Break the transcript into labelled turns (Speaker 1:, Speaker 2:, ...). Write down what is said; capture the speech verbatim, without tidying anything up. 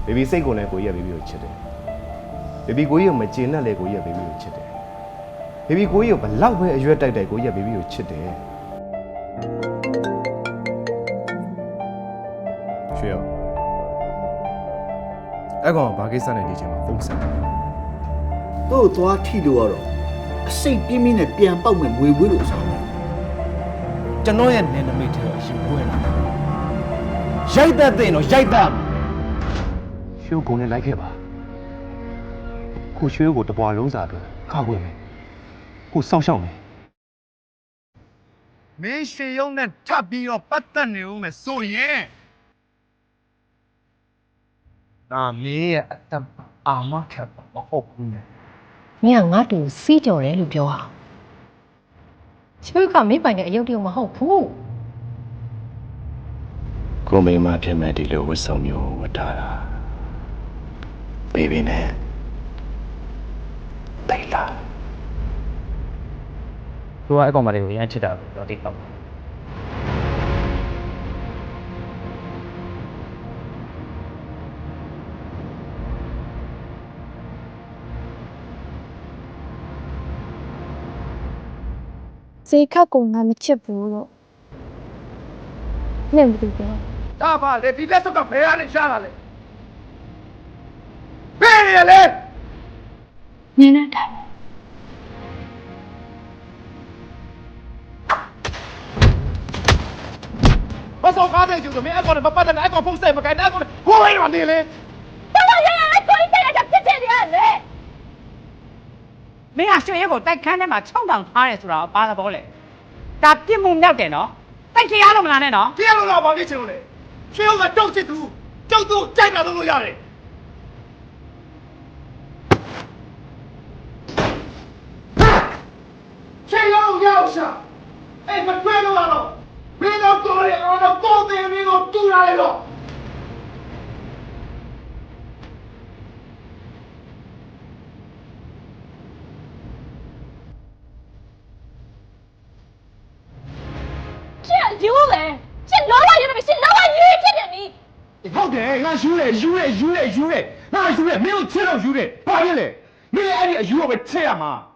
Speaker 1: ဘေဘီစိတ်ကိုလည်းကိုကြီးကဘေဘီကိုချစ်တယ်ဘေဘီကိုကြီးကိုမကျေနပ်လေကိုကြီးကဘေဘီကိုချစ်တယ်ဘေဘီကိုကြီးကိုဘလောက်ပဲအရွက်တိုက်တိုက်ကိုကြီးကဘေဘီကိုချစ်တယ်ရွှေရောအဲ့ကောင်ဘာကိစ္စနဲ့ဒီချိန်မှာဖုန်းဆက်တယ်
Speaker 2: တို့သွားထိလို့ရတော့အစိတ်ပြင်းပြင်းနဲ့ပြန်ပေါက်မဲ့ငွေဝေးလို့ဆောင်တယ်
Speaker 3: ကျွန်တော်ရဲ့နယ်နိမိတ်ထဲကိုရှင်ပွဲလာရိုက်တတ်တဲ့တော့ရိုက်တတ်
Speaker 4: ရွှေကိုနဲ့လိုက်ခဲ့ပါခုရွှေကိုတပွားလုံးစာအတွက်ခါခွေမယ်ခုစောင့်ရှောက်မယ်
Speaker 3: မင်းရွှေရုံးနဲ့ထပ်ပြီးတော့ပတ်သက်နေဦးမယ်ဆိုရင်ဒါမင်းရဲ့အတ္တအာမခံမဟုတ်ဘူး
Speaker 5: မင်းကငါ့တူစီးကြော်တယ်လို့ပြောဟာချွေးကမင်းပိုင်တဲ့အယုတ်တရုံမဟုတ်ဘူး
Speaker 1: ကိုမိမဖြစ်မဲ့ဒီလိုဝတ်ဆောင်မျိုးဝတ်ထားတာဘေဘီနဲ့တိတ်လာ
Speaker 6: သူကအကောင်မလေးကိုရမ်းချစ်တာတော့တိတ်တော့
Speaker 7: စေခက်ကိုငါမချစ်ဘူးလို့နဲ့ဘူးပြော
Speaker 3: ဒါပါလေဒီလက်စုပ်ကဘယ်ကနေရှာလာလဲဘယ်ရလဲ
Speaker 7: နင်းနေတာ
Speaker 3: မစောကားတဲ့ကျူဆိုမင်းအကောင်နဲ့မပတ်တဲ့နဲ့အကောင်ဖုန်းဆက်မကိုင်းတဲ့အကောင်နဲ့ကိုယ်လိုက်ရနေလေ
Speaker 8: တော်တော်ရရအကောင်ကြီးတက်ရဖြစ်ဖြစ်နေရလေမင်းကရွှေရဲကိုတိုက်ခန်းထဲမှာခြောက်တောင်ထားရဲဆိုတာဘာသဘောလဲဒါပြစ်မှုမြောက်တယ်နော်တိုက်ခရလို့မလားနဲ့နော်
Speaker 3: ကြည့်ရလို့တော့ဘာဖြစ်ချင်လို့လဲရွှေကတောက်ချစ်သူကြောက်သူကြိုက်တာလုပ်လို့ရတယ်ရွှေရောရောက်ရှာအဲ့မတွေ့လို့တော့မင်းတို့ကိုယ်ရအောင်တော့ကိုယ်တင်မင်းကိုတူလာလေတော့
Speaker 8: ကျန်ယူလေကျန်လောလာယူနေပြီကျန်လောလာယူဖြစ်တယ်နီး
Speaker 3: ဟုတ်တယ်ငါယူတယ်ယူတယ်ယူတယ်ယူတယ်ငါယူတယ်မင်းတို့ချစ်တော့ယူတယ်ဘာဖြစ်လဲမင်းအဲ့ဒီအယူကိုပဲချစ်ရမှာ